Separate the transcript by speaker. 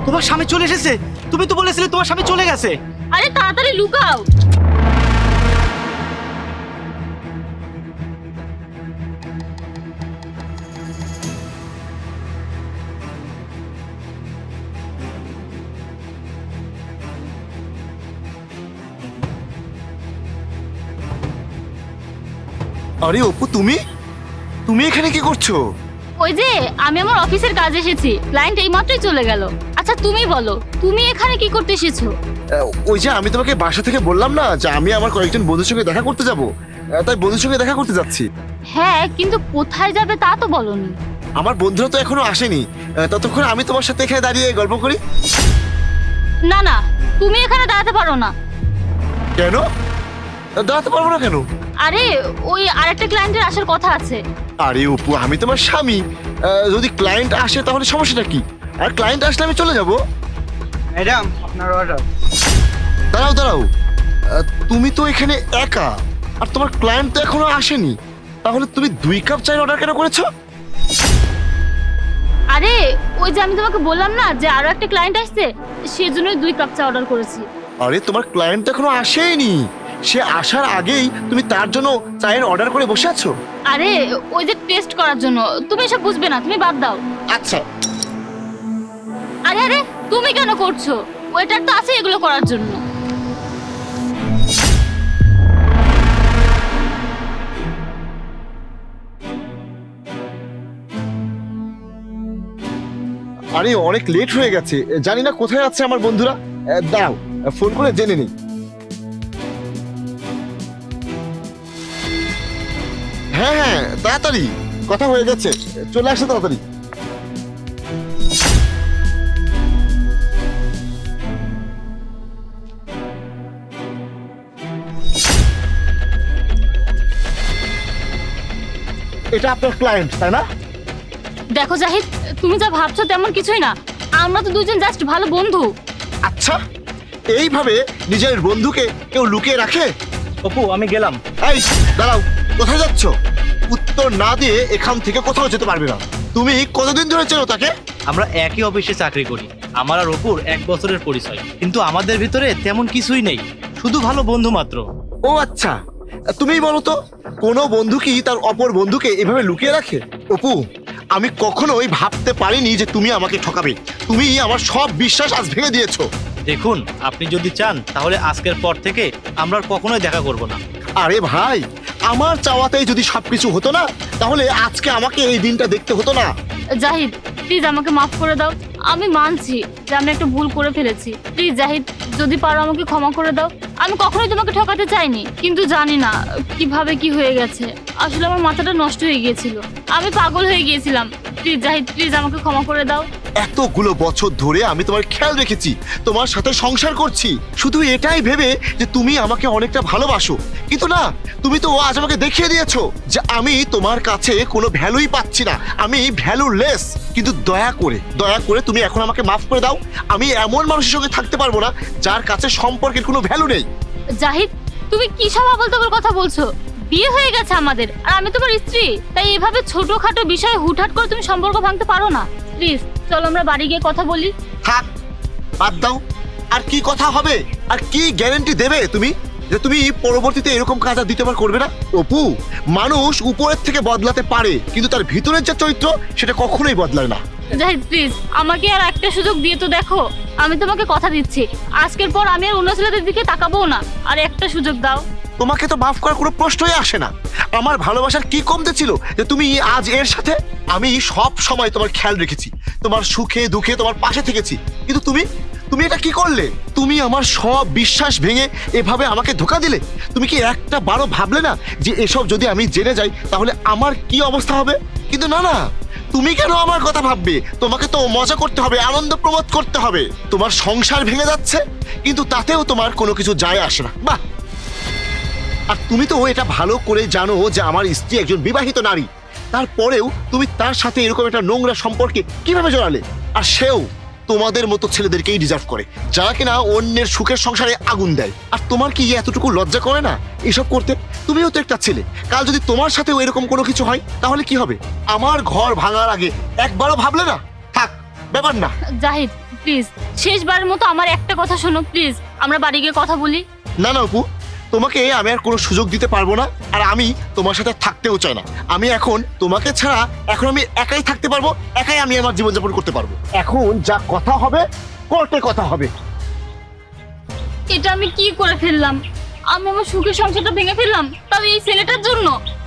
Speaker 1: তোমার স্বামী চলে এসেছে। তুমি তো বলেছিলে তোমার স্বামী চলে গেছে।
Speaker 2: আরে তাড়াতাড়ি লুকাও।
Speaker 3: আরে অপু, তুমি তুমি এখানে কি করছো?
Speaker 2: ওই যে আমি আমার অফিসের কাজ এসেছি, ক্লায়েন্ট এইমাত্রই চলে গেল। আচ্ছা তুমি বলো, তুমি এখানে কি করতে এসেছো?
Speaker 3: ওই যে আমি তোমাকে বাসা থেকে বললাম না যে আমি আমার কয়েকজন বন্ধুর সঙ্গে দেখা করতে যাব, তাই বন্ধুর সঙ্গে দেখা করতে যাচ্ছি।
Speaker 2: হ্যাঁ, কিন্তু কোথায় যাবে তা তো বলোনি।
Speaker 3: আমার বন্ধুরা তো এখনো আসেনি, ততক্ষণ আমি তোমার সাথে এখানে দাঁড়িয়ে গল্প করি।
Speaker 2: না না, তুমি এখানে দাঁড়াতে পারো না।
Speaker 3: কেন দাঁড়াতে পারবো না কেন?
Speaker 2: আরে ওই আরেকটা ক্লায়েন্টের আসার কথা আছে।
Speaker 3: আরে অপু, আমি তোমার স্বামী, যদি ক্লায়েন্ট আসে তাহলে সমস্যাটা কি? আর ক্লায়েন্ট আসলে আমি চলে যাব।
Speaker 1: ম্যাডাম, আপনার অর্ডার।
Speaker 3: দাঁড়াও দাঁড়াও, তুমি তো এখানে একা, আর তোমার ক্লায়েন্ট তো এখনো আসেনি, তাহলে তুমি 2 কাপ চায়ের অর্ডার কেন করেছো?
Speaker 2: আরে ওই যে আমি তোমাকে বললাম না যে আরো একটা ক্লায়েন্ট আসছে, সেজন্যই 2 কাপ চা অর্ডার করেছি।
Speaker 3: আরে তোমার ক্লায়েন্ট তো এখনো আসেনি, সে আসার আগেই তুমি তার জন্য চায়ের অর্ডার করে বসে আছো।
Speaker 2: আরে ওই যে টেস্ট করার জন্য, তুমি এসব বুঝবে না, তুমি বাদ দাও।
Speaker 3: আচ্ছা,
Speaker 2: আরে আরে তুমি কেন করছো? ওয়েটার তো আছে এগুলো করার জন্য।
Speaker 3: আরে অনেক লেট হয়ে গেছে, জানি না কোথায় আছে আমার বন্ধুরা। দাও ফোন করে জেনে নিই। হ্যাঁ হ্যাঁ, তাড়াতাড়ি, কথা হয়ে গেছে, চলে আসো তাড়াতাড়ি। এটা আপনার ক্লায়েন্ট তাই না?
Speaker 2: দেখো জাহিদ, তুমি যা ভাবছো তেমন কিছুই না। আমরা তো দুজন জাস্ট ভালো বন্ধু।
Speaker 3: আচ্ছা, এইভাবে নিজের বন্ধুকে কেউ লুকিয়ে রাখে?
Speaker 1: অপু, আমি গেলাম।
Speaker 3: এই দাঁড়াও, কোথায় যাচ্ছ? উত্তর না দিয়ে এখান থেকে কোথাও যেতে পারবে না। তুমি কতদিন ধরে চেনো তাকে?
Speaker 1: আমরা একই অফিসে চাকরি করি। আমার আর অপুর 1 বছরের পরিচয়, কিন্তু আমাদের ভিতরে তেমন কিছুই নেই, শুধু ভালো বন্ধু মাত্র।
Speaker 3: ও আচ্ছা, তুমিই বলো তো, কোনো বন্ধু কি তার অপর বন্ধুকে এভাবে লুকিয়ে রাখে? অপু, আমি কখনোই ভাবতে পারিনি যে তুমি আমাকে ঠকাবে। তুমি আমার সব বিশ্বাস আজ ভেঙে দিয়েছো।
Speaker 1: দেখুন, আপনি যদি চান তাহলে আজকের পর থেকে আমরা আর কখনোই দেখা করব না।
Speaker 3: আরে ভাই, আমার চাওয়াতেই যদি সবকিছু হতো না, তাহলে আজকে আমাকে এই দিনটা দেখতে হতো না।
Speaker 2: জাহিদ প্লিজ আমাকে মাফ করে দাও। আমি মানছি যে আমি একটা ভুল করে ফেলেছি। প্লিজ জাহিদ, যদি পারো আমাকে ক্ষমা করে দাও। আমি কখনোই তোমাকে ঠকাতে চাইনি, কিন্তু জানি না কিভাবে কি হয়ে গেছে। আসলে আমার মাথাটা নষ্ট হয়ে গিয়েছিল, আমি পাগল হয়ে গিয়েছিলাম। প্লিজ জাহিদ, প্লিজ আমাকে ক্ষমা করে দাও।
Speaker 3: এতগুলো বছর ধরে আমি তোমার খেয়াল রেখেছি, তোমার সাথে সংসার করছি, শুধু এটাই ভেবে যে তুমি আমাকে অনেকটা ভালোবাসো। কিন্তু না, তুমি তো আজ আমাকে দেখিয়ে দিয়েছো যে আমি তোমার কাছে কোনো ভ্যালুই পাচ্ছি না, আমি ভ্যালুলেস। কিন্তু দয়া করে তুমি এখন আমাকে মাফ করে দাও। আমি এমন মানুষের সঙ্গে থাকতে পারবো না যার কাছে সম্পর্কের কোনো ভ্যালু নেই।
Speaker 2: জাহিদ, তুমি কি সব আবোল-তাবোল কথা বলছো? বিয়ে হয়ে গেছে আমাদের, আর আমি তোমার স্ত্রী। তাই এভাবে ছোটখাটো বিষয়ে হুটহাট করে তুমি সম্পর্ক ভাঙতে পারো না। প্লিজ চলো আমরা বাড়ি গিয়ে কথা বলি।
Speaker 3: থাক, বাদ দাও। আর কি কথা হবে? আর কি গ্যারান্টি দেবে তুমি যে তুমি পরবর্তীতে এরকম কাজ আর দ্বিতীয়বার করবে না? অপু, মানুষ উপরের থেকে বদলাতে পারে, কিন্তু তার ভিতরের যে চরিত্র সেটা কখনোই বদলায় না।
Speaker 2: জাহিদ প্লিজ আমাকে আর একটা সুযোগ দিয়ে তো দেখো। আমি তোমাকে কথা দিচ্ছি, আজকের পর আমি আর অন্য ছেলেদের দিকে তাকাবো না। আর একটা সুযোগ দাও।
Speaker 3: তোমাকে তো মাফ করার কোনো প্রশ্নই আসে না। আমার ভালোবাসার কি কমতে ছিল যে তুমি আজ এর সাথে? আমি সব সময় তোমার খেয়াল রেখেছি, তোমার সুখে দুঃখে তোমার পাশে থেকেছি, কিন্তু তুমি তুমি এটা কি করলে? তুমি আমার সব বিশ্বাস ভেঙে এভাবে আমাকে ধোঁকা দিলে। তুমি কি একটা বারও ভাবলে না যে এসব যদি আমি জেনে যাই তাহলে আমার কি অবস্থা হবে? কিন্তু না না, তুমি কেন আমার কথা ভাববে? তোমাকে তো মজা করতে হবে, আনন্দ প্রমোদ করতে হবে। তোমার সংসার ভেঙে যাচ্ছে, কিন্তু তাতেও তোমার কোনো কিছু যায় আসে না। বাহ! আর তুমি তো এটা ভালো করে জানো যে আমার স্ত্রী একজন বিবাহিত নারী, তারপরেও তুমি তার সাথে এরকম একটা নোংরা সম্পর্কে কিভাবে জড়ালে? আর সেও তোমাদের মতো ছেলেদেরকেই ডিজার্ভ করে, যারা কিনা অন্যের সুখের সংসারে আগুন দেয়। আর তোমার কি এতটুকু লজ্জা করে না এসব করতে? তুমিও তো একটা ছেলে, কাল যদি তোমার সাথেও এরকম কোনো কিছু হয় তাহলে কি হবে? আমার ঘর ভাঙার আগে একবারও ভাবলে না? থাক, ব্যাপার না।
Speaker 2: জাহিদ প্লিজ শেষবারের মতো আমার একটা কথা শোনো প্লিজ, আমরা বাড়ি গিয়ে কথা বলি।
Speaker 3: না না অপু, তোমাকে আমি আর কোনো সুযোগ দিতে পারবো না, আর আমি তোমার সাথে থাকতেও চাই না। আমি এখন তোমাকে ছাড়া এখন আমি একাই থাকতে পারবো, একাই আমি আমার জীবনযাপন করতে পারবো। এখন যা কথা হবে কোর্টে কথা হবে।
Speaker 2: এটা আমি কি করে ফেললাম? আমি আমার সুখের সংসারটা ভেঙে ফেললাম, তবে এই ছেলেটার জন্য।